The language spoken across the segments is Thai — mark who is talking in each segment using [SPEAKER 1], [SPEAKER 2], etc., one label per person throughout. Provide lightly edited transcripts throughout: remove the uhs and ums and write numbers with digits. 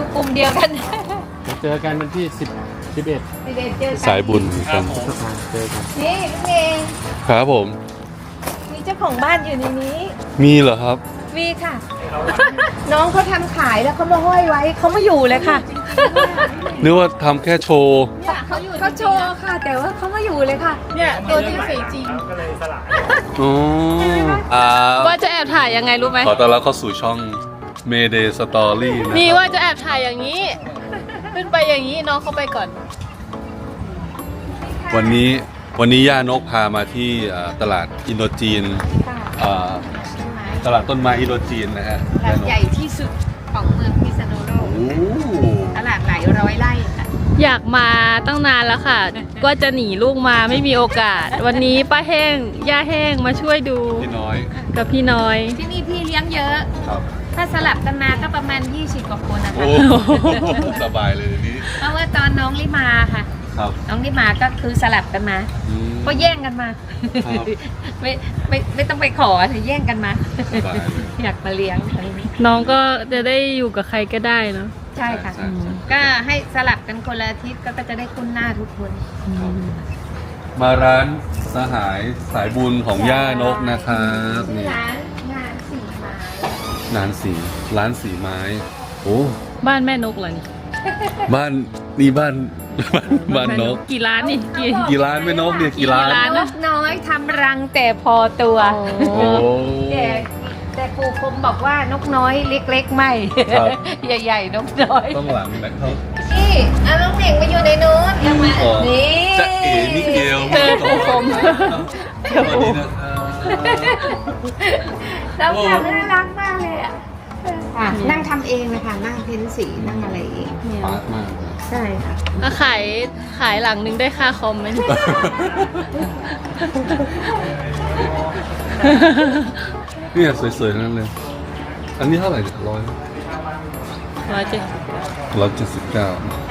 [SPEAKER 1] กลุ่มเดียวกัน
[SPEAKER 2] เจอกันวันที่11
[SPEAKER 1] เจอกัน
[SPEAKER 3] สายบุญกัน
[SPEAKER 2] เจอกัน
[SPEAKER 1] นี่พี่เมย์
[SPEAKER 3] ครับผม
[SPEAKER 1] มีเจ้าของบ้านอยู่ในนี้
[SPEAKER 3] มีเหรอครับ
[SPEAKER 1] มีค่ะ น้องเขาทำขายแล้วเขามาห้อยไว้เขามาอยู่เลยค่ะ
[SPEAKER 3] นึกว่าทำแค่โชว์
[SPEAKER 1] เขาโชว์ค่ะ แต่ว่าเขามาอยู่เลยค่ะ เนี่ยตัวที่สีจริง
[SPEAKER 3] อ๋อ
[SPEAKER 4] ว่าจะแอบถ่ายยังไงรู้ไหม
[SPEAKER 3] ขอต้อนรับเข้าสู่ช่อง Mayday Story นะ
[SPEAKER 4] นี่
[SPEAKER 3] ครับ
[SPEAKER 4] ว่าจะแอบถ่ายอย่างนี้ ขึ้นไปอย่างนี้น้องเข้าไปก่อน
[SPEAKER 3] วันนี้ย่านกพามาที่ตลาดอินโดจีนตลาดต้นไม้อินโดจีนนะฮะ
[SPEAKER 1] ตลาดใหญ่ที่สุดของเมืองพิษณุโลก
[SPEAKER 3] โอ้
[SPEAKER 1] ตลาดหลายร้อยไร่ค่ะ
[SPEAKER 4] อยากมาตั้งนานแล้วค่ะ ก็จะหนีลูกมาไม่มีโอกาส วันนี้ป้าแห้งย่าแห้งมาช่วยดู
[SPEAKER 3] พี่น้อย
[SPEAKER 4] กับพี่น้อย
[SPEAKER 1] ที่นี่พี่เลี้ยงเยอะ
[SPEAKER 3] ครับ
[SPEAKER 1] ถ้าสลับกันมาก็ประมาณ20 กว่าคนนะคะ
[SPEAKER 3] โอ้สบายเลยนี่
[SPEAKER 1] เพราะว่าตอนน้องลิมาค่ะ
[SPEAKER 3] ครับ
[SPEAKER 1] น้องลิมาก็คือสลับกันมา
[SPEAKER 3] อืม
[SPEAKER 1] ก็แย่งกันมา
[SPEAKER 3] ครับ
[SPEAKER 1] ไม่ต้องไปขอแต่แย่งกันมา
[SPEAKER 3] สบายเลย
[SPEAKER 1] อยากมาเลี้ยงอะไรนี้
[SPEAKER 4] น้องก็จะได้อยู่กับใครก็ได้เนาะ
[SPEAKER 1] ใช่ค่ะ
[SPEAKER 3] ใช่ใช่
[SPEAKER 1] ก็ให้สลับกันคนละอาทิตย์ก็จะได้คุ้นหน้าทุกคน
[SPEAKER 3] มาร้านสหายสายบุญของย่านกนะครับนี่
[SPEAKER 1] ร้านงานสีไม้
[SPEAKER 3] ร้านสีไม้ โอ้
[SPEAKER 4] บ้านแม่นกเหรอนี่
[SPEAKER 3] บ้านนี่บ้านนก
[SPEAKER 4] กี่ร้านนี่กี่
[SPEAKER 3] กี่ร้านแม่นกเนี่ยกี่ร้าน
[SPEAKER 4] กี่ร้าน
[SPEAKER 1] นกน้อยทำรังแต่พอตัว
[SPEAKER 3] โอ้
[SPEAKER 1] แต่ปู่คมบอกว่านกน้อยเล็กๆไม่
[SPEAKER 3] ครับ
[SPEAKER 1] ใหญ่ๆนกน้อย
[SPEAKER 3] ต้องหลังแบ็คเขา
[SPEAKER 1] นี่เอาน้องเหน่งมาอยู่ในนู้นยังมา
[SPEAKER 3] อ๋อ
[SPEAKER 1] นี่
[SPEAKER 3] จะเอ๋มิเกล
[SPEAKER 4] เจอปู่คม
[SPEAKER 3] สวัสดีนะครับ
[SPEAKER 1] เราทำน่ารักมากเลยอ่ะนั่งทำเองนะคะนั่งเพ้นสีนั่งอะไรเอง
[SPEAKER 3] ปาร์ตมากเลย
[SPEAKER 1] ใช่ค่ะ
[SPEAKER 4] ก็ขายหลังนึงได้ค่าคอมไหม
[SPEAKER 3] เนี่ยสวยๆทั้งนั้นเลย อันนี้เท่าไหร่เนี่ย100 179
[SPEAKER 1] เก่า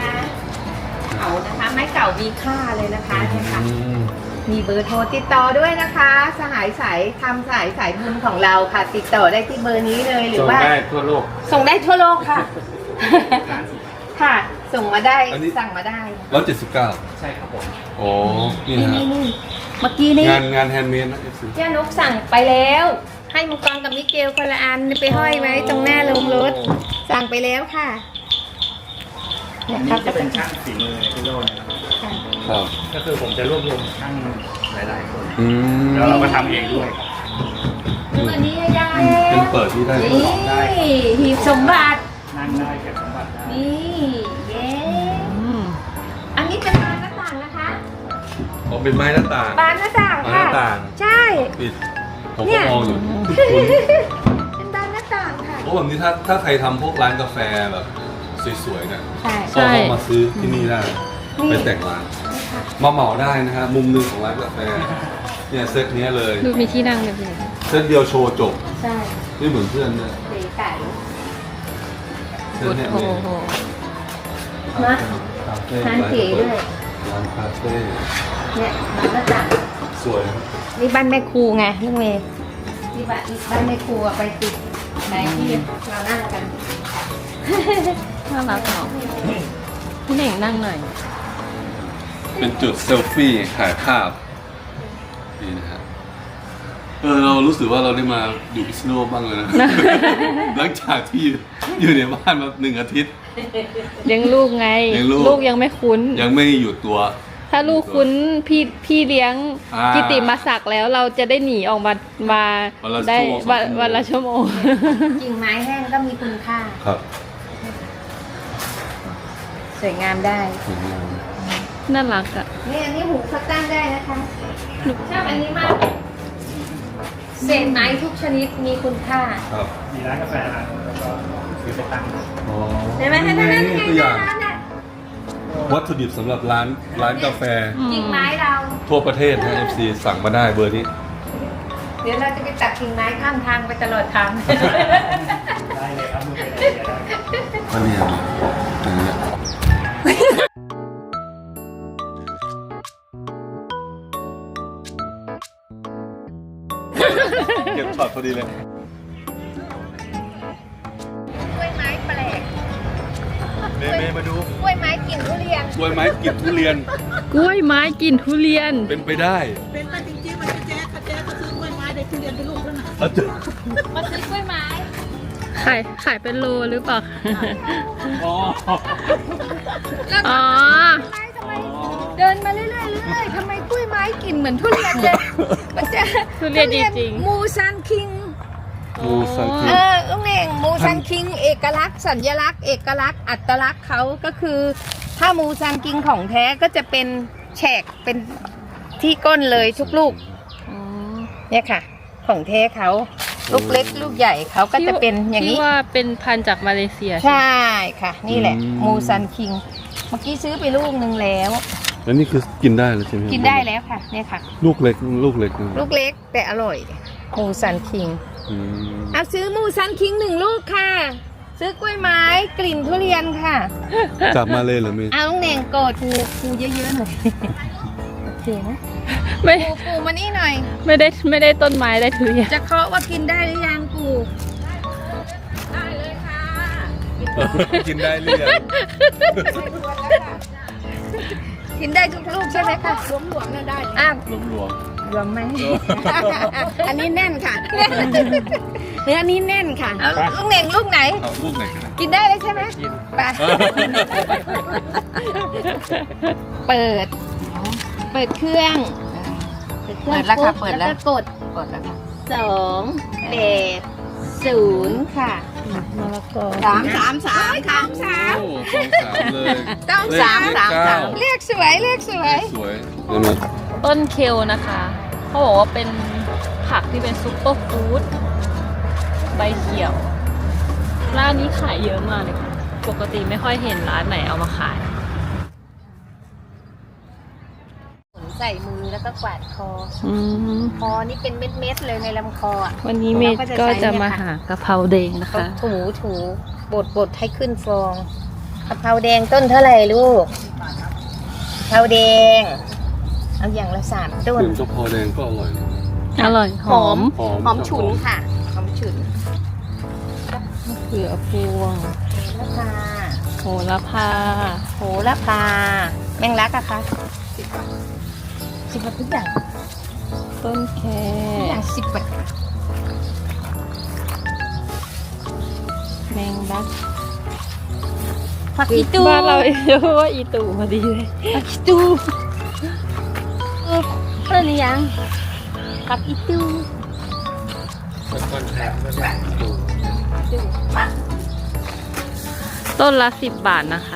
[SPEAKER 1] นะคะไม้เก่ามีค่าเลยนะคะเนี่ยค่ะ มีเบอร์โทรติดต่อด้วยนะคะ สหายสายทำสายบุญของเราค่ะ ติดต่อได้ที่เบอร์นี้เลยหรือ
[SPEAKER 2] ส่ง
[SPEAKER 1] ว่า
[SPEAKER 2] ได้ทั่วโลก
[SPEAKER 1] ส่งได้ทั่วโลกค่ะ ค่ะ ส่งมาได้
[SPEAKER 3] อันนี้
[SPEAKER 1] สั่งมาได้
[SPEAKER 3] 179
[SPEAKER 2] ใช่ครับผม
[SPEAKER 3] โอ้นี่
[SPEAKER 1] นี่
[SPEAKER 3] นะ
[SPEAKER 1] นี่นี่เมื่อกี้นี่
[SPEAKER 3] งานแฮนด์เมดนะ FC
[SPEAKER 1] เจ้านุกสั่งไปแล้ว ให้มังกรกับมิเกลคนละอันไปห้อยไว้ตรงหน้าโรงรถ สั่งไปแล้วค่ะเนี่ย
[SPEAKER 2] นี่
[SPEAKER 1] ครับ
[SPEAKER 2] จะเป็นช่างฝีมือในพิโลกนะครับ
[SPEAKER 1] ค่ะ
[SPEAKER 3] ครับ
[SPEAKER 2] ก็คือผมจะรวบรวมช่างหลายๆคน
[SPEAKER 3] อืม
[SPEAKER 2] แล้วเราก็ทำเองด้วยครับ
[SPEAKER 1] ดูอันนี้ให้ยาย
[SPEAKER 3] เป็นเปิดที่ได้
[SPEAKER 1] นี่หีบสมบัติ
[SPEAKER 2] นั่งได้เก็บสมบัติได้
[SPEAKER 1] นี่เย้อันนี้เป็นบานหน้าต่างนะคะ
[SPEAKER 3] อ๋อเป็นไม้หน้าต่าง
[SPEAKER 1] บานหน้าต่าง
[SPEAKER 3] บานห
[SPEAKER 1] ค่ะ
[SPEAKER 3] น้าต่าง
[SPEAKER 1] ใช่
[SPEAKER 3] ปิด ผม
[SPEAKER 1] เนี่
[SPEAKER 3] ก็
[SPEAKER 1] ย
[SPEAKER 3] มองอยู่คุณ
[SPEAKER 1] เป็นบานหน้าต่างค่ะ
[SPEAKER 3] โอ้แบบนี้ถ้าใครทำพวกร้านกาแฟแบบสวยๆเนี่ย
[SPEAKER 1] ใช่
[SPEAKER 3] ก็เข้ามาซื้อที่นี่ได้
[SPEAKER 1] นี่
[SPEAKER 3] ไปแต่งร้าน มาเหมาได้นะฮะมุมหนึงของร้านกาแฟ เนี่ยเซตเนี้ยเลย
[SPEAKER 4] ดูมีที่นั่งเลยพี่
[SPEAKER 3] เซตเดียวโชว์จบ
[SPEAKER 1] ใช่
[SPEAKER 3] ไม่เหมือนเพื่อนเนี่ย
[SPEAKER 1] เก๋ไก่
[SPEAKER 3] เซตเนี้ย
[SPEAKER 4] โอ้
[SPEAKER 3] เลย
[SPEAKER 4] โห
[SPEAKER 1] นะ
[SPEAKER 3] คาเฟ่
[SPEAKER 1] ร้านเก๋ด้วย
[SPEAKER 3] ร้านคาเฟ่
[SPEAKER 1] เนี่ยบานหน้าต่าง
[SPEAKER 3] สวยนะ
[SPEAKER 1] นี่บ้านแม่ครูไงลูกเมย์นี่บ้านแม่ครูอะไปติดไหนที่เรานั่งกัน
[SPEAKER 4] น่ารักเนาะพี่เหน่งนั่งหน่อย
[SPEAKER 3] เป็นจุดเซลฟี่ถ่ายภาพนี่นะฮะเรารู้สึกว่าเราได้มาอยู่พิษณุโลกบ้างเลยนะ หลังจากที่อยู่ในบ้านมา1 อาทิตย์
[SPEAKER 4] เลี้ยงลูกไง
[SPEAKER 3] เลี้ยงลูก
[SPEAKER 4] ลูกยังไม่คุ้น
[SPEAKER 3] ยังไม่อยู่ตัว
[SPEAKER 4] ถ้าลูกคุ้นพี่เลี้ยง
[SPEAKER 3] อ่า
[SPEAKER 4] กิติมาศักดิ์แล้วเราจะได้หนีออกมา
[SPEAKER 3] วันละ
[SPEAKER 4] ได้
[SPEAKER 3] ชั่วโมง
[SPEAKER 4] วันละชั่วโมง
[SPEAKER 1] กิ่งไม้แห้งก็มีคุณค่า
[SPEAKER 3] ครับ
[SPEAKER 1] สวยงามได้
[SPEAKER 3] สวยงาม
[SPEAKER 4] น่ารักอ่ะ
[SPEAKER 1] นี่อันนี้หูเขาตั้งได้นะคะชอบอันนี้มากเศษไม้ทุกชนิดมีคุณค่า
[SPEAKER 3] ครับ
[SPEAKER 2] มีร้านกาแฟร้านแล้วก็ซื้อไปตั้ง
[SPEAKER 3] อ๋อ
[SPEAKER 1] เห็นไหมคะนั่น
[SPEAKER 3] นี่ตัวอย่าง
[SPEAKER 1] น่ะ
[SPEAKER 3] วัตถุดิบสำหรับร้านกาแฟ
[SPEAKER 1] กิ่งไม้เรา
[SPEAKER 3] ทั่วประเทศนะ FC สั่งมาได้เบอร์นี้
[SPEAKER 1] เดี๋ยวเราจะไปตัดกิ่งไม้ข้างทางไปตลอดทาง
[SPEAKER 2] ได้เลยครับมือเป็นไอเดียได้
[SPEAKER 3] ก็เนี่ยอย่างเงี้ยเก็บช็อตพอดีเลย
[SPEAKER 1] กล้วยไม้แปลก
[SPEAKER 2] มาดู
[SPEAKER 1] กล้วยไม้กลิ่นทุเรียน
[SPEAKER 3] กล้วยไม้กินทุเรียน
[SPEAKER 4] กล้วยไม้กินทุเรียน
[SPEAKER 3] เป็นไปได้
[SPEAKER 5] เป็นไปจริงๆมันจะแจ๊กก็ซื้อกล้วยไม้ได้ทุเรียนเป็นลูกแล้วนะ
[SPEAKER 3] เอาเถอะ
[SPEAKER 1] มาซื้อกล้วยไม้
[SPEAKER 4] ขายเป็นโลหรือเปล่า
[SPEAKER 3] อ๋อ
[SPEAKER 4] อ๋อ
[SPEAKER 1] ทำไมเดินมาเรื่อยๆเรื่อยๆทำไมกล้วยไม้กลิ่นเหมือนทุเรียนเลยมันจะ
[SPEAKER 4] ทุเรียนจริงๆ
[SPEAKER 1] มูซันคิง
[SPEAKER 3] มูสังคิ
[SPEAKER 1] ลุงเน่งมูซันคิงเอกลักษณ์สัญลักษณ์เอกลักษณ์อัตลักษณ์เขาก็คือถ้ามูซันคิงของแท้ก็จะเป็นแฉกเป็นที่ก้นเลยทุกลูกเนี่ยค่ะ ของแท้เขาลูกเล็กลูกใหญ่เขาก็จะเป็นอย่างนี้
[SPEAKER 4] ที่ว่าเป็นพันธุ์จากมาเลเซีย
[SPEAKER 1] ใช่ค่ะ นี่แหละมูซันคิงเมื่อกี้ซื้อไปลูกนึงแล้ว
[SPEAKER 3] แล้วนี่คือกินได้แล้วใช่ไหม
[SPEAKER 1] กินได้แล้วค่ะเนี่ยค่ะ
[SPEAKER 3] ลูกเล็กลูกเล็กนะ
[SPEAKER 1] ลูกเล็กแต่อร่อยมูซันคิง
[SPEAKER 3] อืม
[SPEAKER 1] เอาซื้อมูซันคิง1 ลูกค่ะ ซื้อกล้วยไม้กลิ่นทุเรียนค่ะ
[SPEAKER 3] จากมาเลยเหรอเมย์
[SPEAKER 1] เอาลุงเน่งโกดปูเยอะๆหน่อยโอเคนะ
[SPEAKER 4] ไม่
[SPEAKER 1] ปูมานี่หน่อย
[SPEAKER 4] ไม่ได้ต้นไม้ได้ทุเรียน
[SPEAKER 1] จะเคาะว่ากินได้หรือยังปูได้เลยค่ะ
[SPEAKER 3] กินได้หรือยัง
[SPEAKER 1] กินได้ทุกลูกใช่ไหมคะหลวมๆน่าได้อ่ะ
[SPEAKER 3] รวม
[SPEAKER 1] รวมไหม อันนี้แน่นค่ะเนื้อนี้แน่นค่ะเอาลูกเน่งลูกไหน
[SPEAKER 3] ๆเอาลูกไหนกันนะ
[SPEAKER 1] กินได้เลยใช่ไหมไปเปิดเครื่อง เปิดแล้วค่ะเปิดแล้วกดแล้วค่ะ280ค่ะ
[SPEAKER 4] มะละกอ
[SPEAKER 1] 3 3 3ค่ะ
[SPEAKER 3] โอ้สองสามเลย
[SPEAKER 1] ต้อง
[SPEAKER 3] เลข
[SPEAKER 1] 3 3 3เรียกสวยเรียกสวย
[SPEAKER 3] สวยใช่ไหม
[SPEAKER 4] ต้นเคลนะคะ เขาบอกว่าเป็นผักที่เป็นซุปเปอร์ฟู้ดใบเขียว ร้านนี้ขายเยอะมากเลยค่ะ ปกติไม่ค่อยเห็นร้านไหนเอามาขาย
[SPEAKER 1] ใส่มือแล้วก็กวาดคอ
[SPEAKER 4] อืม
[SPEAKER 1] คอนี่เป็นเม็ดๆเลยในลำคออ่ะ
[SPEAKER 4] วันนี้เมย์ก็จะมาหากะเพราแดงนะ
[SPEAKER 1] เขา
[SPEAKER 4] คะ
[SPEAKER 1] ถูบดให้ขึ้นฟองกะเพราแดงต้นเท่าไหร่ลูกกะเพราแดง เอาอย่างละ3 ต้น
[SPEAKER 3] กลิ่นกะเพราแดงก็อร่อยนะ
[SPEAKER 4] อร่อยหอม
[SPEAKER 1] หอมฉุนค่ะหอมฉุน
[SPEAKER 4] เขือพวง
[SPEAKER 1] แล้วค่ะ
[SPEAKER 4] โหระพา
[SPEAKER 1] โหระพาแมงลักอะคะ10 บาททุกอย่าง
[SPEAKER 4] ต้นแค
[SPEAKER 1] ทุกอย่าง10 บาท
[SPEAKER 4] แมงลัก
[SPEAKER 1] ผักอีตู
[SPEAKER 4] บ้านเราเรียกว่าอีตู่พอดีเลย
[SPEAKER 1] ผักอีตูเพื่อนหรือยังผักอีตู
[SPEAKER 2] ต้นแทนก็ได้ดู
[SPEAKER 4] ต้นละ10 บาทนะคะ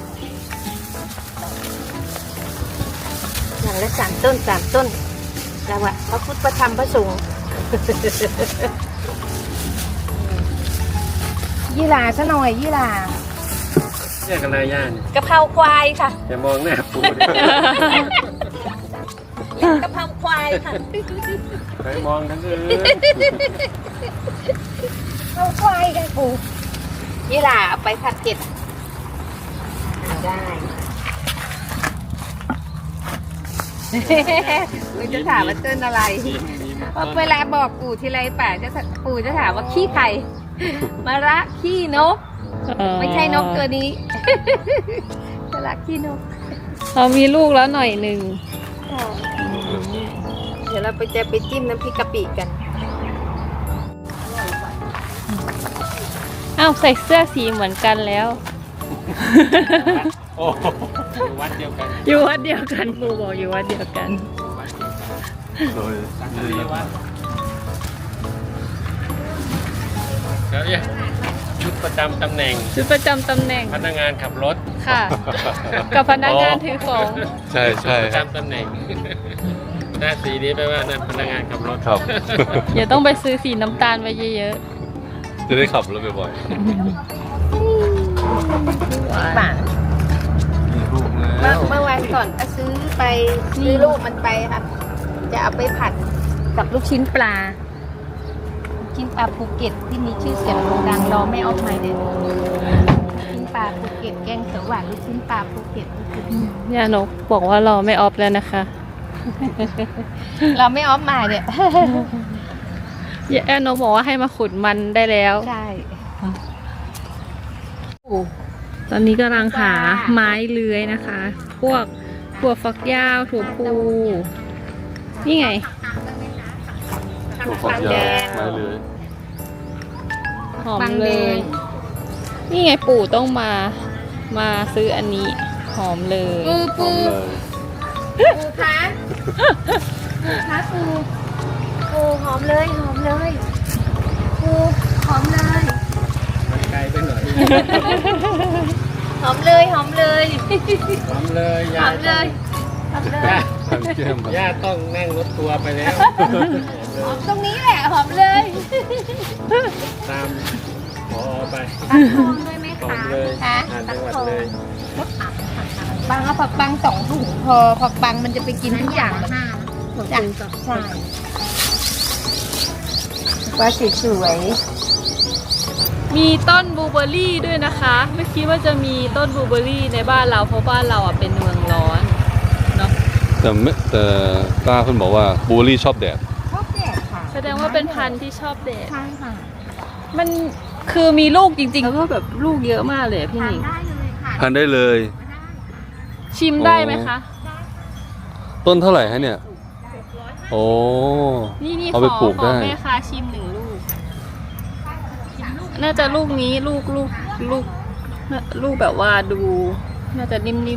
[SPEAKER 1] อย่างละ3 ต้น3 ต้นแล้วอะพระพุทธพระธรรมพระสงฆ์ ยี่หร่าซะหน่อยยี่หร่า
[SPEAKER 2] เรียกอะไรย่าน
[SPEAKER 1] กะเพราควายค่ะ
[SPEAKER 2] อย่ามองหน้าปู
[SPEAKER 1] กะเพราควายค่ะ
[SPEAKER 2] ไปมองทั้งอื่น
[SPEAKER 1] กะเพราควายค่ะปูยี่หร่าเอาไปผัดเผ็ดได้คุณจะถามว่าต้นอะไรเพราะเวลาบอกปู่ทีไรปู่จะถามว่าขี้ไข่มะระขี้นก ไม่ใช่นกตัวนี้ มะระขี้นก
[SPEAKER 4] เรามีลูกแล้วหน่อยหนึ่ง
[SPEAKER 1] เดี๋ยวเราจะไปจิ้มน้ำพริกกะปิกัน
[SPEAKER 4] อ้าวใส่เสื้อสีเหมือนกันแล้ว
[SPEAKER 2] โอ้วัดเดียวกัน
[SPEAKER 4] อยู่วัดเดียวกันครูบอกอยู่วัดเดียวกัน
[SPEAKER 3] โดย
[SPEAKER 2] สังกะรีวัดแล้วเนี่ยชุดประจำตำแหน่ง
[SPEAKER 4] ชุดประจำตำแหน่ง
[SPEAKER 2] พนักงานขับรถ
[SPEAKER 4] ค่ะ กับพนักงานถือของ
[SPEAKER 3] ใช่ใช่
[SPEAKER 2] ประจำตำแหน่ง หน้าสีนี้แปลว่านั่นพนักงานขับรถ
[SPEAKER 3] ครับ
[SPEAKER 4] อย่าต้องไปซื้อสีน้ำตาลไว้เยอะ
[SPEAKER 3] จะได้ขับรถบ่อย
[SPEAKER 1] บาท
[SPEAKER 3] ๆมีลูกแล้ว
[SPEAKER 1] เมื่อวันก่อนก็ซื้อลูกมันไปค่ะ จะเอาไปผัดกับลูกชิ้นปลาลูกชิ้นปลาภูเก็ตที่มีชื่อเสียงโด่งดังรอไม่ออกใหม่เลยลูกชิ้นปลาภูเก็ตแกงเขียวหวานลูกชิ้นปลาภูเก็ต
[SPEAKER 4] ย่านกบอกว่ารอไม่ออฟแล้วนะคะ
[SPEAKER 1] เราไม่ออฟมาเนี่ย
[SPEAKER 4] ย่านกบอกว่าให้มาขุดมันได้แล้ว
[SPEAKER 1] ใช่
[SPEAKER 4] ตอนนี้กำลังหาไม้เลื้อยนะคะ พวกถั่วฝักยาวถั่วพูนี่ไง
[SPEAKER 3] ถั่วฝักยาวไม้เลื้อย
[SPEAKER 4] หอมเลย นี่ไงปู่ต้องมาซื้ออันนี้หอมเลย
[SPEAKER 3] หอมเลย
[SPEAKER 1] ปูคะปูคะปูหอมเลยหอมเลยปูหอมเลย
[SPEAKER 2] ไกลไปหน่อย
[SPEAKER 1] หอมเลยหอมเลย
[SPEAKER 2] หอมเลย
[SPEAKER 1] หอมเลยหอมเลย
[SPEAKER 3] ทานแก้มครับ
[SPEAKER 2] ย่าต้องนั่งรถทัวร์ไปแล้ว
[SPEAKER 1] หอมตรงนี้แหละหอมเลย
[SPEAKER 2] ตามพอไป
[SPEAKER 1] ตักทองด้วยไหม
[SPEAKER 2] หอ
[SPEAKER 1] คะ
[SPEAKER 2] มเลย
[SPEAKER 1] คะ
[SPEAKER 2] ผ่าน
[SPEAKER 1] ตั
[SPEAKER 2] จั
[SPEAKER 1] ก
[SPEAKER 2] งหวัด
[SPEAKER 1] ทอง
[SPEAKER 2] เลย
[SPEAKER 1] ปังเอาผักปัง2 ถุงพอผักปังมันจะไปกินทุกอย่างจ้ะใช่ว่าสวย
[SPEAKER 4] มีต้นบลูเบอร์รี่ด้วยนะคะ ไม่คิดว่าจะมีต้นบลูเบอร์รี่ในบ้านเราเพราะบ้านเราอ่ะเป็นเมืองร้อนเนาะ
[SPEAKER 3] แต่ป้าเพิ่นบอกว่าบลูเบอร์รี่ชอบแดด
[SPEAKER 1] ๆชอบแดดค่ะ
[SPEAKER 4] แสดงว่าเป็นพันธุ์ที่ชอบแดด
[SPEAKER 1] ใช่ค่ะ
[SPEAKER 4] มันคือมีลูกจริงๆแล้วก็แบบลูกเยอะมากเลยอะพี่ห
[SPEAKER 1] ทาน
[SPEAKER 4] นิง
[SPEAKER 1] ได้เลยค่ะ
[SPEAKER 3] ทานได้เลย
[SPEAKER 4] ชิมได้ไหมคะ
[SPEAKER 3] ต้นเท่าไหร่ฮะเนี่ย โอ้
[SPEAKER 4] นี่
[SPEAKER 3] เอาไปปลูก
[SPEAKER 4] ขอ
[SPEAKER 3] ได้
[SPEAKER 4] แม่ค้าชิม1 ลูก น่าจะลูกนี้ลูกแบบว่าดู น่าจะนิ่มๆ
[SPEAKER 3] นี่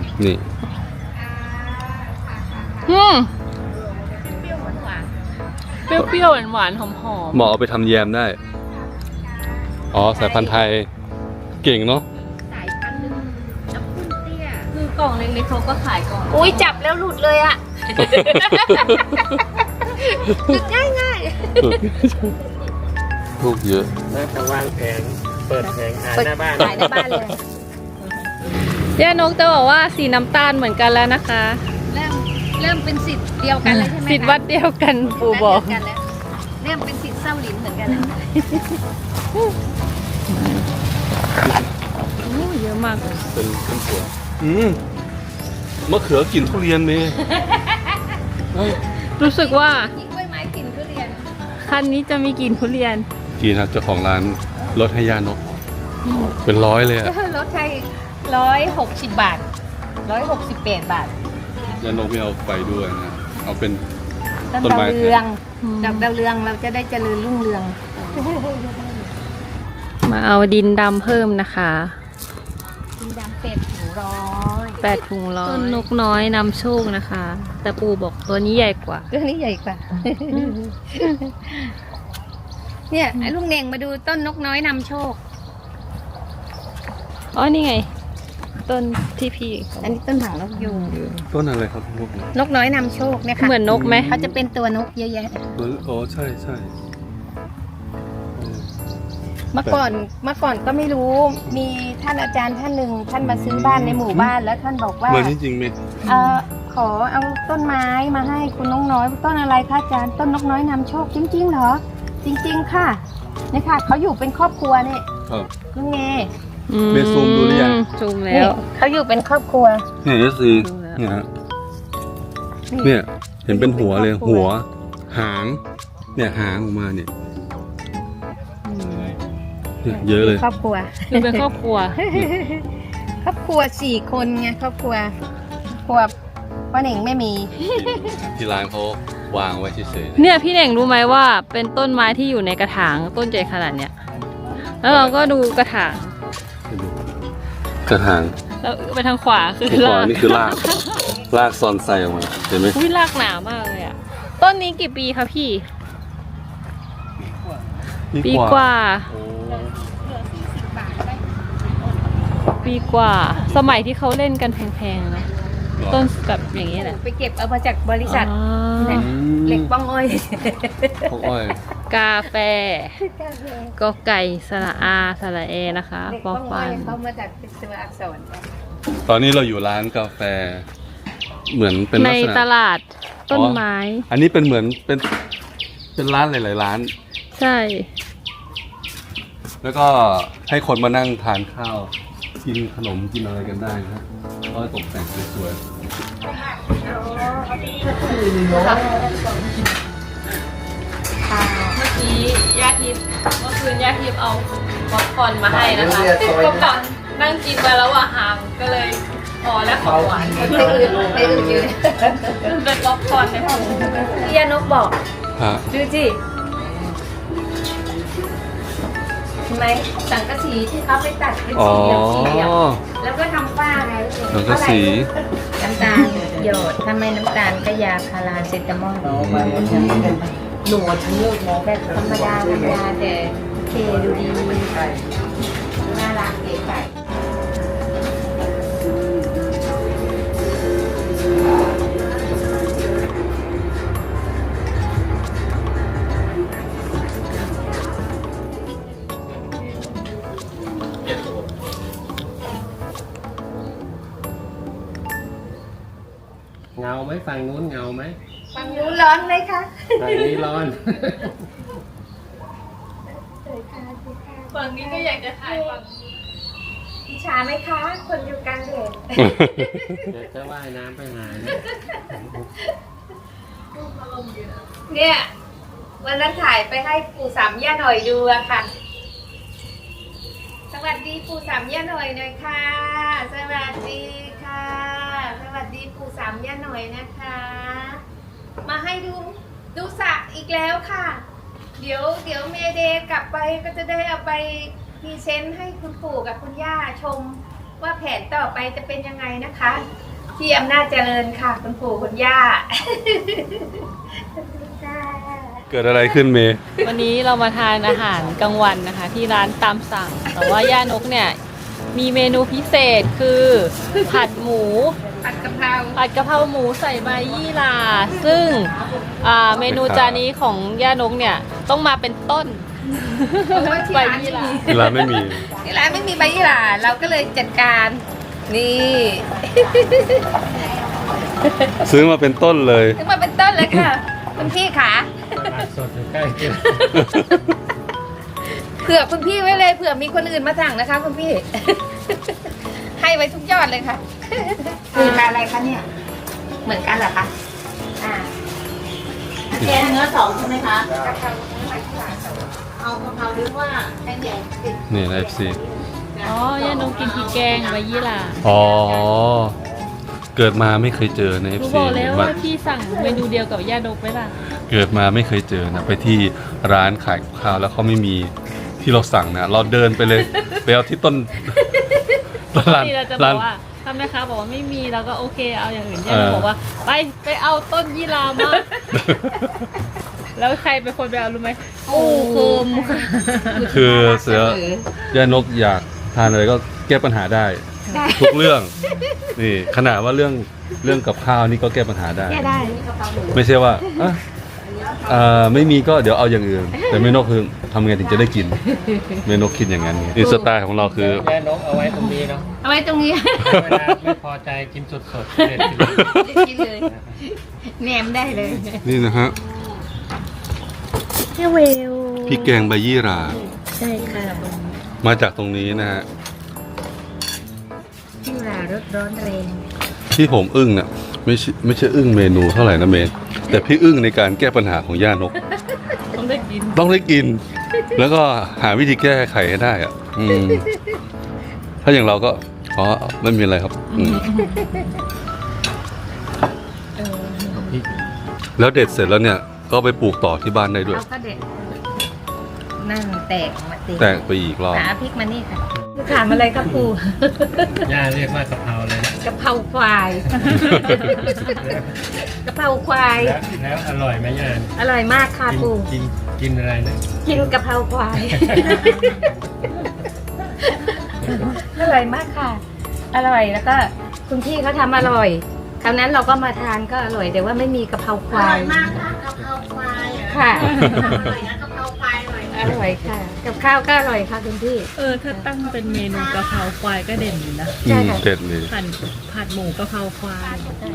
[SPEAKER 4] เปรี้ยวๆหวานๆหอม
[SPEAKER 3] เหมาะเอาไปทำแยมได้ อ๋อ สายพันธุ์ไทย เก่งเนาะ
[SPEAKER 1] สายพันธุ์หนึ่งน้ำพุ่นเตี้ย
[SPEAKER 4] ๆคือกล่องเล็กๆเขาก็ขายกล่อง
[SPEAKER 1] อุ้ยจับแล้วหลุดเลยอ่ะจุดง่าย
[SPEAKER 3] ลูกเยอะ
[SPEAKER 2] แล้วก็วางแผงเปิดแผงขาย
[SPEAKER 1] ๆเปิด
[SPEAKER 2] หน้าบ้าน
[SPEAKER 1] ขายหน้าบ้านเลย
[SPEAKER 4] ย่านกจะบอกว่าสีน้ำตาลเหมือนกันแล้วนะคะ
[SPEAKER 1] เริ่มเป็นสิทธิ์เดียวกันเลยใช่ไหมคะ
[SPEAKER 4] สิทธิ์วัดเดียวกันปู่บอก
[SPEAKER 1] เดียวกันแล้วเริ่มเป็นสิทธิ์เศร้าหลินเหมือนกันแล้ว
[SPEAKER 4] โอ้เยอะมากเลย
[SPEAKER 3] เป็นสวนมะเขือกลิ่นทุเรียนเมย์
[SPEAKER 4] รู้สึกว่า
[SPEAKER 1] มีกล้วยไม้กลิ่นทุเรียน
[SPEAKER 4] คันนี้จะมีกลิ่นทุเรียน
[SPEAKER 3] กินครับเจ้าของร้านลดให้ย่านก เป็นร้อยเลยอะ
[SPEAKER 1] รถไทย160 บาท168 บาท
[SPEAKER 3] ย่านกไม่เอาไปด้วยนะ เอาเป็น
[SPEAKER 1] ต้น
[SPEAKER 3] ต้นไม้
[SPEAKER 1] ดาวเรือง
[SPEAKER 4] อืม
[SPEAKER 1] ดอกดาวเรืองเราจะได้เจริญรุ่งเรือง
[SPEAKER 4] มาเอาดินดำเพิ่มนะคะ
[SPEAKER 1] กินดำเป็ดถึง100
[SPEAKER 4] 8 ถุงร้อยต้นนกน้อยนำโชคนะคะ แต่ปู่บอกตัวนี้ใหญ่กว่า
[SPEAKER 1] เรื่องนี้ใหญ่กว่า เนี่ยไอ้ลุงเน่งมาดูต้นนกน้อยนำโชค
[SPEAKER 4] อ๋อ นี่ไง ต้นที่พี่
[SPEAKER 1] อันนี้ต้นหางนกยูง
[SPEAKER 3] ต้นอะไรครับพวกนี้
[SPEAKER 1] นกน้อยนำโชคเนี่ยค่ะ
[SPEAKER 4] เหมือนนกไหม
[SPEAKER 1] เขาจะเป็นตัวนกเยอะแยะ
[SPEAKER 3] อ๋อใช่ใช่
[SPEAKER 1] เมื่อก่อนก็ไม่รู้ มีท่านอาจารย์ท่านหนึ่งท่านมาซื้อบ้านในหมู่บ้านแล้วท่านบอกว่า
[SPEAKER 3] เหมือนจริงๆไหม
[SPEAKER 1] ขอเอาต้นไม้มาให้คุณน้องน้อยต้นอะไรคะอาจารย์ต้นนกน้อยนำโชคจริงๆเหรอ จริง ๆ ค่ะนี่ค่ะเขาอยู่เป็นครอบครัวเนี่ย
[SPEAKER 3] ครับ
[SPEAKER 1] ลุงเง
[SPEAKER 3] เมย์ซูมดูหรือยัง
[SPEAKER 4] ซูม
[SPEAKER 1] นี่
[SPEAKER 4] แล้ว
[SPEAKER 1] เขาอยู่เป็นครอบครัว
[SPEAKER 3] เนี่ยเอสซีเนี่ยฮะเนี่ย เห็นเป็นหัวเลย หัว หาง เนี่ยหางออกมาเนี่ยเนี่ยเยอะเลย
[SPEAKER 1] ครอบครัว
[SPEAKER 4] คือเป็นครอบครัว
[SPEAKER 1] ครอบครัว4 คนไงครอบครัวพ่อเหน่งไม่มี
[SPEAKER 3] ที่ร้านเขาวางไว้เฉย
[SPEAKER 4] เนี่ยพี่เน่งรู้ไหมว่าเป็นต้นไม้ที่อยู่ในกระถางต้นใหญ่ขนาดเนี้ย แล้วเราก็ดูกระถาง
[SPEAKER 3] ๆกระถาง
[SPEAKER 4] แล้วไปทางขวาคือ
[SPEAKER 3] ขวาร
[SPEAKER 4] าก
[SPEAKER 3] นี่คือราก รากซอนใส่ออกมา เห็นไหม
[SPEAKER 4] อุ้ยรากหนามากเลยอ่ะ ต้นนี้กี่ปีคะพี่ ปีกว่า
[SPEAKER 3] โอ้
[SPEAKER 4] ปีกว่า สมัยที่เขาเล่นกันแพงๆนะต้นแบบอย่างนี้แหละ
[SPEAKER 1] ไปเก็บเอามาจากบริษัท
[SPEAKER 4] อ๋อ
[SPEAKER 1] เนี่ยเหล็กป้องอ้อย
[SPEAKER 3] พวกอ้อย
[SPEAKER 4] กาแฟก็ไก่สระอาสระเอนะคะ
[SPEAKER 1] เหล็ก
[SPEAKER 4] ป
[SPEAKER 1] ป้
[SPEAKER 4] อ
[SPEAKER 1] องอ้
[SPEAKER 4] ฟั
[SPEAKER 1] อย
[SPEAKER 4] น
[SPEAKER 1] เขามาจากตัวอักษร
[SPEAKER 3] ตอนนี้เราอยู่ร้านกาแฟ เหมือนเป็น
[SPEAKER 4] ใน
[SPEAKER 3] ลักษณะ
[SPEAKER 4] ตลาดต้นไม้
[SPEAKER 3] อันนี้เป็นเหมือนเป็นร้านหลายๆร้าน
[SPEAKER 4] ใช่
[SPEAKER 3] แล้วก็ให้คนมานั่งทานข้าว กินขนมกินอะไรกันได้ครับก็ตกแต่งสวย
[SPEAKER 4] เมื่อกี้ย่าทิพย์เมื่อคืนย่าทิพย์เอาป๊อปคอร์นมาให้นะคะป๊อปคอร์นนั่งงกินมาแล้วอะหางก็เลยพอแล้วของหวาน
[SPEAKER 1] ไปอื่นอยู่
[SPEAKER 4] เป็นป๊อปคอร์นในหู
[SPEAKER 1] พี่ยานกบอก
[SPEAKER 3] ฮะ
[SPEAKER 1] ดูสิเห็นไหมสังกะสีที่เขาไปตัดเป็น
[SPEAKER 3] อ๋อ
[SPEAKER 1] สี่เหลี่ยมแล้วก็ทำฝ้าไง
[SPEAKER 3] สังกะสี
[SPEAKER 1] น้ำตาลหยดถ้าไม่น้ำตาลก็ยาพาราเซตามอลหนูฉันเลิกมองแบบธรรมดาแต่โอเคดูดีน่ารักเก๋ไก่
[SPEAKER 2] เงาไหมฝั่งนู้นเงาไหม
[SPEAKER 1] ฟังรู้ร้อนไหมคะ
[SPEAKER 2] ฝั่งนี้ร้อน
[SPEAKER 4] ฝั่งนี้ก็อยากจะถ่ายฝั่ง
[SPEAKER 1] อิจฉาไหมคะ คนอยู่กลางแดด
[SPEAKER 2] เดี๋ยวจะว่ายน้ำไปหานะ
[SPEAKER 1] เนี่ยวันนั้นถ่ายไปให้ปู่สามย่าหน่อยดูอะค่ะ สวัสดีปู่สามย่าหน่อยหน่อยค่ะ สวัสดีค่ะ สวัสดีปู่สามย่าหน่อยนะคะ มาให้ดูสระอีกแล้วค่ะ เดี๋ยวเมเดย์กลับไปก็จะได้เอาไปพรีเซนต์ให้คุณปู่กับคุณย่าชม ว่าแผนต่อไปจะเป็นยังไงนะคะ ที่อำนาจเจริญค่ะคุณปู่คุณย่า
[SPEAKER 3] เกิดอะไรขึ้นเมย์
[SPEAKER 4] วันนี้เรามาทานอาหารกลางวันนะคะ ที่ร้านตามสั่ง แต่ว่าย่านกเนี่ยมีเมนูพิเศษคือผัดหมู
[SPEAKER 1] ผัดกะเพรา
[SPEAKER 4] ผัดกะเพราหมูใส่ใบยี่หร่าซึ่งเมนูจานนี้ของย่านกเนี่ยต้องมาเป็นต้น
[SPEAKER 1] เพราะว่าที่
[SPEAKER 4] ใบ
[SPEAKER 1] ร้าน
[SPEAKER 4] ยี่หร่า
[SPEAKER 3] เวลาไม่มี
[SPEAKER 1] ที่ร้านไม่มีใบยี่หร่าเราก็เลยจัดการนี่
[SPEAKER 3] ซื้อมาเป็นต้นเลย
[SPEAKER 1] ถึงมาเป็นต้นเลยค่ะคุณพี่ขา
[SPEAKER 2] ผักสดอยู่ใกล้กิน
[SPEAKER 1] เผื่อคุณพี่ไว้เลยเผื่อมีคนอื่นมาสั่งนะคะคุณพี่ ให้ไว้ทุกยอดเลยค่ะคืออะไรคะเนี่ย เหมือนกันเหรอคะอ่า
[SPEAKER 5] แกงเนื้อสองใช่ไหมคะ
[SPEAKER 1] กะเพราใบยี่หร่าสด
[SPEAKER 5] เอากะเพราหรือว่า
[SPEAKER 1] แค่ใหญ่ติด
[SPEAKER 3] นี่นะ FC
[SPEAKER 4] อ๋อย่านกกินพริกแกงใบยี่หร่า
[SPEAKER 3] อ๋อ เกิดมาไม่เคยเจอใน
[SPEAKER 4] หนู
[SPEAKER 3] FC
[SPEAKER 4] บอกแล้ว
[SPEAKER 3] มา
[SPEAKER 4] ว่าพี่สั่งเมนูเดียวกับย่านกไหมล่ะ
[SPEAKER 3] เกิดมาไม่เคยเจอนะ ไปที่ร้านขายกับข้าวแล้วเขาไม่มีที่เราสั่งนะ เราเดินไปเลย ไปเอาที่ต้น
[SPEAKER 4] ปก
[SPEAKER 3] ร้าน
[SPEAKER 4] ติเราจะบ
[SPEAKER 3] ร้า
[SPEAKER 4] อน กว่าถ้าแม่ค้าบอกว่าไม่มีเราก็โอเคเอาอย่างอื่นย่านกบอกว่าไปเอาต้นยี่หร่ามา แล้วใครเป็นคนไปเอารู้ไหมปู่โคมค่ะ
[SPEAKER 3] คือเสือย่านกอยากทานอะไรก็แก้ปัญหาได้ ทุกเรื่อง นี่ขนาดว่าเรื่องกับข้าวนี่ก็แก้ปัญหาได้
[SPEAKER 1] แค่ได้
[SPEAKER 3] ไม่ใช่ว่าไม่มีก็เดี๋ยวเอาอย่างอื่น แต่เมนกคือทำไงถึงจะได้กิน เมนกคิดอย่างนั้นนี่สไตล์ของเราคือ
[SPEAKER 2] แย่นกเอาไว้ตรงนี้เนาะ
[SPEAKER 1] เอาไว้ตรงนี้
[SPEAKER 2] เวลาไม่พอใจกินสดๆเด็ดกิน
[SPEAKER 1] กินเลยแหนมได้เลย
[SPEAKER 3] นี่นะฮะ
[SPEAKER 1] แค่เวล
[SPEAKER 3] พริกแกงใบยี่หร่า
[SPEAKER 1] ใช่ค่ะ
[SPEAKER 3] มาจากตรงนี้นะฮะ
[SPEAKER 1] ยี่หร่ารสร้อนแรง
[SPEAKER 3] ที่ผมอึ้งเนี่ยไม่ใช่อึ้งเมนูเท่าไหร่นะเมนแต่พี่อึ้งในการแก้ปัญหาของย่านก
[SPEAKER 4] ต้องได้กิน
[SPEAKER 3] ต้องได้กิน แล้วก็หาวิธีแก้ไขให้ได้อะถ้าอย่างเราก็อ๋อไม่มีอะไรครับแล้วเด็ดเสร็จแล้วเนี่ย ก็ไปปลูกต่อที่บ้านได้ด้วย
[SPEAKER 1] เราก็เด็ดนั่นแตกมาตี
[SPEAKER 3] แตกไปอีกรอบ
[SPEAKER 1] หาพริกมานี่ค่ะถามอะไรครับปู่
[SPEAKER 2] ย่าเรียกว่ากะเพราเลยนะ
[SPEAKER 1] กะเพราควายกะเพราควาย
[SPEAKER 2] แล้วอร่อยไหมย่า
[SPEAKER 1] อร่อยมากค่ะปู่
[SPEAKER 2] กินอะไรนะ
[SPEAKER 1] กินกะเพราควาย อร่อยมากค่ะ อร่อยแล้วก็คุณพี่เขาทำอร่อยคราวนั้นเราก็มาทานก็อร่อยแต่ว่าไม่มีกะเพราค
[SPEAKER 5] อ
[SPEAKER 1] วา
[SPEAKER 5] ร่อย ยมากค่ะกะเพราควาย
[SPEAKER 1] ค่ะ
[SPEAKER 5] อร่อยนะกะเพราควายอร่อย
[SPEAKER 1] อร่อยค่ะ กับข้าวก็อร่อยค่ะคุณพี่
[SPEAKER 4] ถ้าตั้งเป็นเมนูกะเพราควายก็เด่นอยู่นะ
[SPEAKER 1] ใช่ค่ะ
[SPEAKER 3] เด็ดเลย
[SPEAKER 4] ผัดหมูกะเพราควาย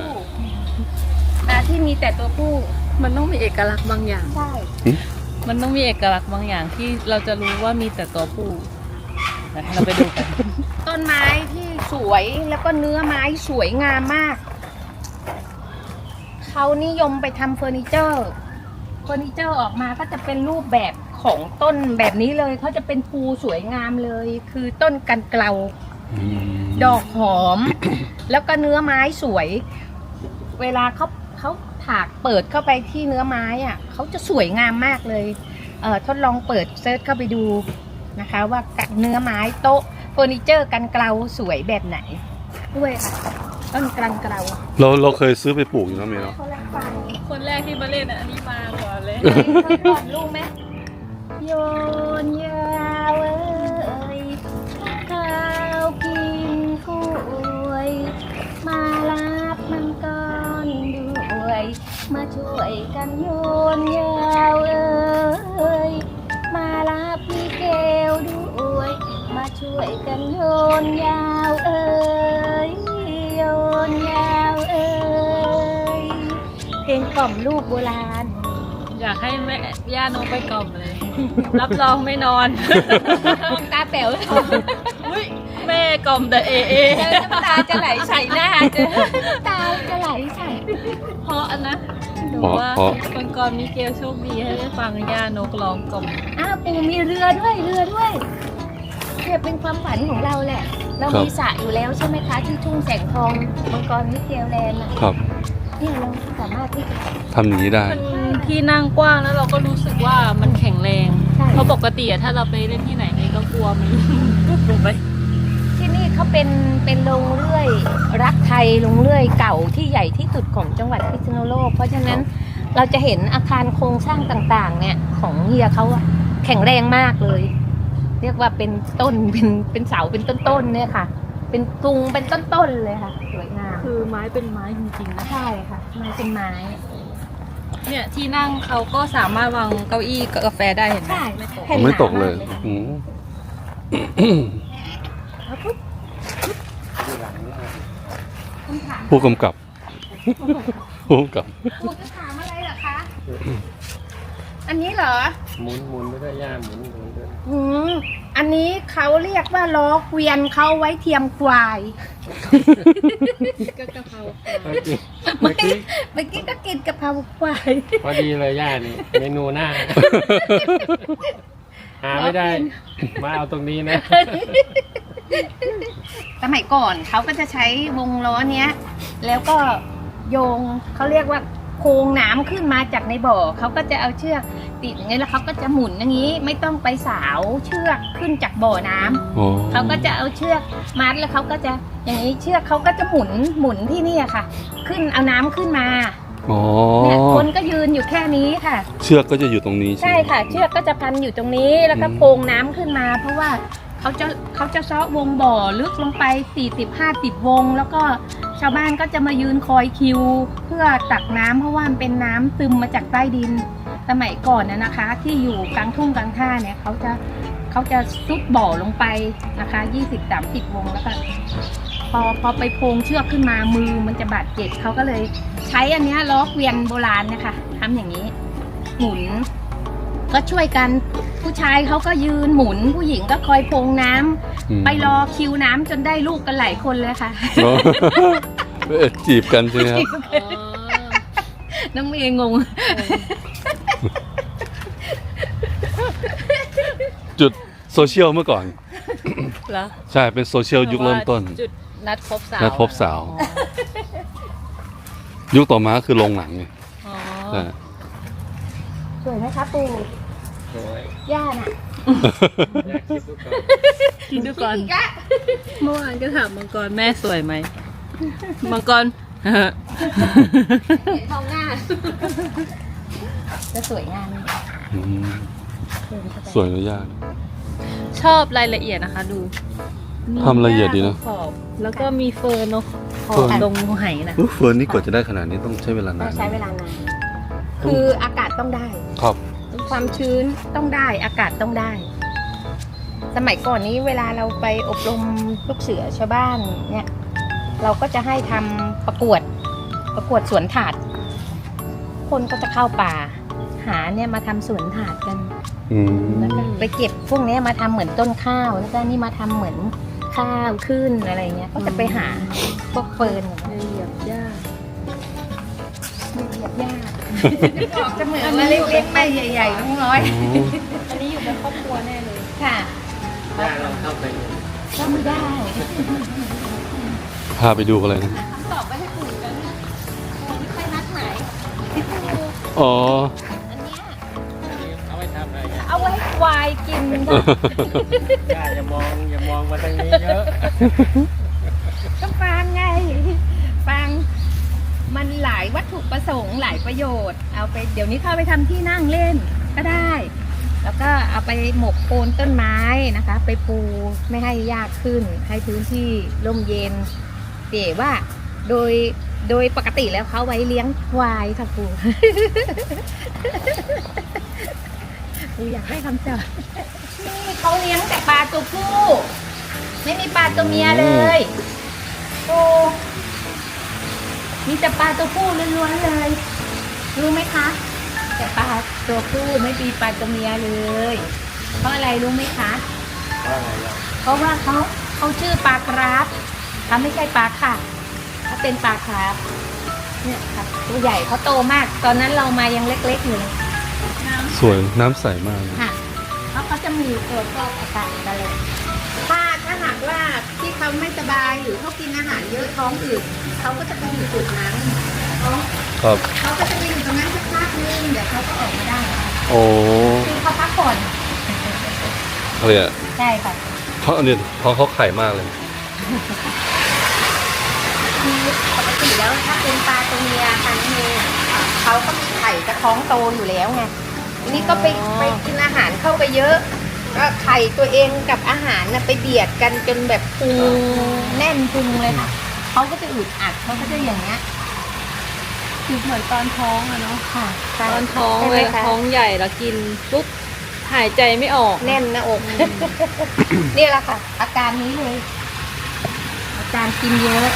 [SPEAKER 1] ที่มีแต่ตัวผู้
[SPEAKER 4] มันต้องมีเอกลักษณ์บางอย่าง
[SPEAKER 1] ใช่
[SPEAKER 4] มันต้องมีเอกลักษณ์บางอย่างที่เราจะรู้ว่ามีแต่ตัวผู้เราไปดูกัน
[SPEAKER 1] ต้นไม้ที่สวยแล้วก็เนื้อไม้สวยงามมาก เขานิยมไปทำเฟอร์นิเจอร์ เฟอร์นิเจอร์ออกมาก็จะเป็นรูปแบบของต้นแบบนี้เลย เขาจะเป็นภูสวยงามเลย คือต้นกันเกลาดอกหอม แล้วก็เนื้อไม้สวย เวลาเขาถากเปิดเข้าไปที่เนื้อไม้อ่ะเขาจะสวยงามมากเลยทดลองเปิดเซิร์ชเข้าไปดูนะคะว่าเนื้อไม้โต๊ะเฟอร์นิเจอร์กันเกลาสวยแบบไหนด้วยค่ะต้นกันเกลา
[SPEAKER 3] เราเคยซื้อไปปลูกอยู่นะเมย์เนาะ
[SPEAKER 1] คนละฝั่ง
[SPEAKER 4] คนแรกที่มาเล่นอันนี้มาก่อนเลย
[SPEAKER 1] เคยก่อนรู้ไหมโยนยาวเอ้ยข้าวกินถ้วยมารับมังกรด้วยมาช่วยกันโยนยาวเอ้ยมารับพี่แก้วด้วยมาช่วยกันโยนยาวเอ้ยโยนยาวเอ้ยเพลงกล่อมลูกโบราณ
[SPEAKER 4] อยากให้แม่ย่าน้องไปกล่อมเลย รับรองไม่นอน
[SPEAKER 1] มองตาแป๋ว
[SPEAKER 4] อุ้ยแม่กล่อมแต่เอ
[SPEAKER 1] น้ำตาจะไหลใส่หน้าจะน้ำตาจะไหลใส่
[SPEAKER 4] เพราะอันนะดูว่าคนก่อนมีเกลโชคดีให้ได้ฟังย่านกร้องกล่อม
[SPEAKER 1] อ้าวปูมีเรือด้วยเนี่ยเป็นความฝันของเราแหละ เรามีสระอยู่แล้วใช่ไหมคะที่ทุ่งแสงทองมังกรมิเกลแลนด์อะ
[SPEAKER 3] ครับ
[SPEAKER 1] เนี่ยเราสามารถที่จะ
[SPEAKER 3] ทำอย่างนี้ได้
[SPEAKER 4] มันที่นั่งกว้างแล้วเราก็รู้สึกว่ามันแข็งแรง
[SPEAKER 1] ใช่
[SPEAKER 4] เพราะปกติอะถ้าเราไปเล่นที่ไหนนี่ก็กลัวมันลงไป
[SPEAKER 1] ที่นี่เขาเป็นโรงเรื่อยรักไทยโรงเรื่อยเก่าที่ใหญ่ที่สุดของจังหวัดพิษณุโลกเพราะฉะนั้นเราจะเห็นอาคารโครงสร้างต่างๆเนี่ยของเฮียเขาอะแข็งแรงมากเลย เรียกว่าเป็นต้นเป็นเสาเป็นต้นๆเนี่ยค่ะ เป็นกรุงเป็นต้นๆเลยค่ะสวยงาม
[SPEAKER 4] คือไม้เป็นไม้จริงๆนะ
[SPEAKER 1] ใช่ค่ะไม้เป็นไม้
[SPEAKER 4] เนี่ยที่นั่งเขาก็สามารถวางเก้าอี้กับกาแฟได้เห็นไหม
[SPEAKER 1] ใช่
[SPEAKER 4] ไม่ตก
[SPEAKER 3] ไม่ตกเลย
[SPEAKER 1] แผ่นหนามาก
[SPEAKER 3] อืม
[SPEAKER 1] คำถาม
[SPEAKER 3] ผู้กำกับ ผู้กำกับ
[SPEAKER 1] คุณจะถามอะไรเหรอคะ อันนี้เหรอ
[SPEAKER 2] หมุนไม่ได้ย่าหมุนด้วย
[SPEAKER 1] อืมอันนี้เขาเรียกว่าล้อเกวียนเขาไว้เทียมควาย
[SPEAKER 4] ก็กะเพรา
[SPEAKER 2] เมื่อกี้
[SPEAKER 1] เมื่อกี้ก็กินกะเพราควาย
[SPEAKER 2] พอดีเลยย่านี่เมนูหน้า หาไม่ได้ มาเอาตรงนี้นะ
[SPEAKER 1] สมัยก่อนเขาก็จะใช้วงล้อเนี้ย แล้วก็โยงเขาเรียกว่าโครงน้ำขึ้นมาจากในบ่อเขาก็จะเอาเชือกติดอย่างนี้แล้วเขาก็จะหมุนอย่างนี้ไม่ต้องไปสาวเชือกขึ้นจากบ่อน้ำ
[SPEAKER 3] อ๋อ
[SPEAKER 1] เขาก็จะเอาเชือกมัดแล้วเขาก็จะอย่างนี้เชือกเขาก็จะหมุนที่นี่ค่ะ ขึ้นเอาน้ำขึ้นมา
[SPEAKER 3] อ๋อ
[SPEAKER 1] เนี่ยคนก็ยืนอยู่แค่นี้ค่ะ
[SPEAKER 3] เชือกก็จะอยู่ตรงนี้ใช่
[SPEAKER 1] ใช่
[SPEAKER 3] ไหม
[SPEAKER 1] ค่ะ เชือกก็จะพันอยู่ตรงนี้แล้วก็โพงน้ำขึ้นมา เพราะว่าเขาจะเซาะวงบ่อลึกลงไป40-50วง แล้วก็ชาวบ้านก็จะมายืนคอยคิว เพื่อตักน้ำเพราะว่ามันเป็นน้ำซึมมาจากใต้ดิน สมัยก่อนนะคะ ที่อยู่กลางทุ่งกลางท่าเนี่ยเขาจะซุดบ่อลงไปนะคะ20-30วงแล้วก็พอไปโพงเชือกขึ้นมามือมันจะบาดเจ็บเขาก็เลยใช้อันเนี้ยล้อเกวียนโบราณนะคะทำอย่างนี้ หมุนก็ช่วยกันผู้ชายเขาก็ยืนหมุนผู้หญิงก็คอยโพงน้ำ
[SPEAKER 3] อืม
[SPEAKER 1] ไปรอคิวน้ำจนได้ลูกกันหลายคนเลยค่ะ
[SPEAKER 3] อ๋อจีบกันใช่ไหมครับ
[SPEAKER 4] อ๋อ
[SPEAKER 1] น้องเมย์งง
[SPEAKER 3] จุดโซเชียลเมื่อก่อน
[SPEAKER 4] เหรอ
[SPEAKER 3] ใช่เป็นโซเชียลยุคเริ่มต้น
[SPEAKER 4] จุดนัดพบสาว
[SPEAKER 3] นัดพบสาว
[SPEAKER 4] อ๋อ
[SPEAKER 3] ยุคต่อมาคือโรงหนังไง
[SPEAKER 4] อ๋อ
[SPEAKER 3] ใช่
[SPEAKER 1] สวยไหมคะปู่
[SPEAKER 2] โอ้ย
[SPEAKER 1] ย่าน่ะ
[SPEAKER 2] อยากคิดดูก่อน
[SPEAKER 4] คิดดูก่อน
[SPEAKER 1] อีกอะ
[SPEAKER 4] เมื่อวานก็ถามมังกรแม่สวยไหมมังกร
[SPEAKER 1] เห็นทองหน้า จะสวยงาม
[SPEAKER 3] อืม
[SPEAKER 1] เดินเข้าไป
[SPEAKER 3] สวยนะย่า
[SPEAKER 4] ชอบรายละเอียดนะคะดู
[SPEAKER 3] ทำละเอียดดีนะ
[SPEAKER 4] ขอบแล้วก็มีเฟิร์นเนอะขอ
[SPEAKER 3] เฟิ
[SPEAKER 4] บ
[SPEAKER 3] ร์น
[SPEAKER 4] ตรงไหนะ
[SPEAKER 3] เฟิร์นนี่กว่าจะได้ขนาดนี้ต้องใช้เวลา
[SPEAKER 1] ต้
[SPEAKER 3] นา
[SPEAKER 1] อน งใช้เวลานานคืออากาศต้องได้
[SPEAKER 3] ครับ
[SPEAKER 1] ความชื้นต้องได้อากาศต้องได้ สมัยก่อนนี้เวลาเราไปอบรมลูกเสือชาวบ้านเนี่ย เราก็จะให้ทำประกวดสวนถาด คนก็จะเข้าป่า หาเนี่ยมาทำสวนถาดกัน
[SPEAKER 3] อืม
[SPEAKER 1] แล้วก็ไปเก็บพวกเนี้ยมาทำเหมือนต้นข้าว แล้วก็นี่มาทำเหมือนข้าวขึ้นอะไรเงี้ย ก็จะไปหาพวกเฟิร์น
[SPEAKER 4] เหยียบหญ้า
[SPEAKER 1] เหยียบหญ้าจะเหมือนมาเล็กๆไม่ใหญ่ๆทั้งร้อย
[SPEAKER 4] อันนี้อยู่เป็นครอบครัวแน่เลย
[SPEAKER 1] ค่ะ
[SPEAKER 2] ย่าเราเข้าไป
[SPEAKER 1] ก็ไม่ได้
[SPEAKER 3] พาไปดูอะไรนะ
[SPEAKER 4] คำตอบไปให้ปู่กันปู่ไม่ค่อยนัดหมายปู่
[SPEAKER 3] อ๋อ
[SPEAKER 4] อันเนี้ย
[SPEAKER 2] เอาไว้ทำอะไรเนี่ย
[SPEAKER 4] เอาไว้ให้ควายกินค่ะ
[SPEAKER 2] อย่ามองมาทางนี้เยอะ
[SPEAKER 1] ก็ฟังไง ฟังมันหลายวัตถุประสงค์หลายประโยชน์ เอาไปเดี๋ยวนี้เข้าไปทำที่นั่งเล่นก็ได้ แล้วก็เอาไปหมกโคนต้นไม้นะคะ ไปปูไม่ให้ยากขึ้น ให้พื้นที่ร่มเย็นแต่ว่าโดยปกติแล้วเขาไว้เลี้ยงควายค่ะปู ปูอยากได้คำตอบนี่เขาเลี้ยงแต่ปลาตัวผู้ ไม่มีปลาตัวเมียเลยโอ้มีแต่ปลาตัวผู้ล้วนๆเลย รู้ไหมคะ แต่ปลาตัวผู้ไม่มีปลาตัวเมียเลย เพราะอะไรรู้ไหมคะ เพราะว่าเขาชื่อปลากราฟเขาไม่ใช่ปลาค่ะเขาเป็นปลาคราฟเนี่ยค่ะตัวใหญ่เขาโตมาก ตอนนั้นเรามายังเล็กๆอยู่เลย
[SPEAKER 3] สวยน้ำใสมากเลย
[SPEAKER 1] ค่ะเพราะเขาจะมีตัวฟอกอากาศกันเลยถ้าหากว่าที่เขาไม่สบายหรือเขากินอาหารเยอะท้องอืดเขาก็จะไปอยู่จุดนั้นท้อง
[SPEAKER 3] ครับ
[SPEAKER 1] เขาก็จะไปอยู่ตรงนั้นสักพักนึงเดี๋ยวเขาก็ออกมาได้
[SPEAKER 3] โอ้
[SPEAKER 1] คือเขาพักผ่อน
[SPEAKER 3] อะไรอ่ะ
[SPEAKER 1] ใช่ค่ะ
[SPEAKER 3] เขาอันนี้ท้องเขาไข่มากเลย
[SPEAKER 1] คือปกติแล้วถ้าเป็นปลาตัวเมียพันธุ์เมียเขาก็มีไข่จะท้องโตอยู่แล้วไงอันนี้ก็ไปกินอาหารเข้าไปเยอะก็ไข่ตัวเองกับอาหารน่ะไปเบียดกันจนแบบพุงแน่นพุงเลยค่ะเขาก็จะอึดอัดเขาก็จะอย่างเงี้ย
[SPEAKER 4] คือเหมือนตอนท้องอะเนาะ
[SPEAKER 1] ค่ะใช่
[SPEAKER 4] ตอนท้อง
[SPEAKER 1] ใช่
[SPEAKER 4] เว
[SPEAKER 1] ไหม
[SPEAKER 4] ลา
[SPEAKER 1] คะ
[SPEAKER 4] ท้องใหญ่แล้วกินปุ๊บหายใจไม่ออก
[SPEAKER 1] แน่นหน้าอก นี่แหละค่ะ อาการนี้เลย อาการกินเยอะ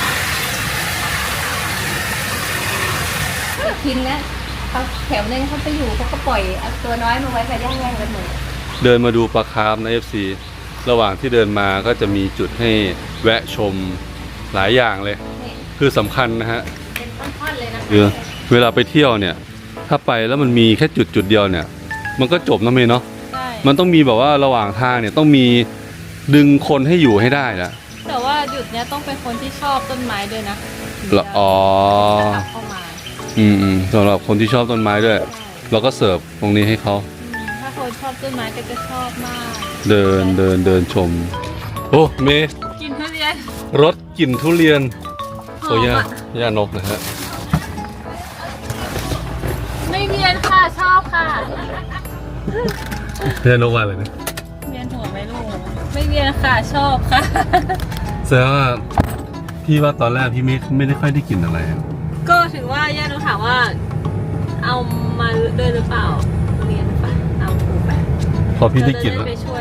[SPEAKER 1] กินแล้วเขาแถวนึงเขาไปอยู่เขาก็ปล่อยเอาตัวน้อยมาไว้กับย่างๆกันหมด
[SPEAKER 3] เดินมาดูปลาคาร์ฟใน FC ระหว่างที่เดินมาก็จะมีจุดให้แวะชมหลายอย่างเลย
[SPEAKER 1] นี่
[SPEAKER 3] คือสำคัญนะฮะ
[SPEAKER 1] เป็นท่อนๆเลยนะคะ
[SPEAKER 3] คือเวลาไปเที่ยวเนี่ย ถ้าไปแล้วมันมีแค่จุดเดียวเนี่ย มันก็จบนะเมย์เนาะ
[SPEAKER 4] ใช่
[SPEAKER 3] มันต้องมีแบบว่าระหว่างทางเนี่ยต้องมีดึงคนให้อยู่ให้ได้นะ
[SPEAKER 4] แต่ว่าหยุดเนี้ยต้องเป็นคนที่ชอบต้นไม้ด้วยนะ
[SPEAKER 3] อ๋อ
[SPEAKER 4] จะขับเข้ามา
[SPEAKER 3] สำหรับคนที่ชอบต้นไม้ด้วย
[SPEAKER 4] ใช่
[SPEAKER 3] เราก็เสิร์ฟตรงนี้ให้เขา
[SPEAKER 4] ถ้าคนชอบต้นไม้ก็จะชอบมาก
[SPEAKER 3] เดินชม โอ้เมย์
[SPEAKER 4] กินทุเรียน
[SPEAKER 3] รสกลิ่นทุเรียน
[SPEAKER 4] ห
[SPEAKER 3] โอ้
[SPEAKER 4] อม
[SPEAKER 3] ย่า
[SPEAKER 4] อะ
[SPEAKER 3] ย่านกนะฮะ
[SPEAKER 4] ไม่เวียนค่ะชอบค่ะ
[SPEAKER 3] ย่านกว่าเลยนะ
[SPEAKER 4] เวียนหัวไหมลูกไม่เวียนค่ะชอบค่ะ
[SPEAKER 3] แสดงว่าพี่ว่าตอนแรกพี่ไม่ได้ค่อยได้กลิ่นอะไรอะ
[SPEAKER 4] ก็ถือว่าย่าหนูถามว่า เอามาด้วยหรือเปล่าเรียนไปเอาปูไป
[SPEAKER 3] พอพี่ได้กลิ่นแล้ว
[SPEAKER 4] จะไปช่วย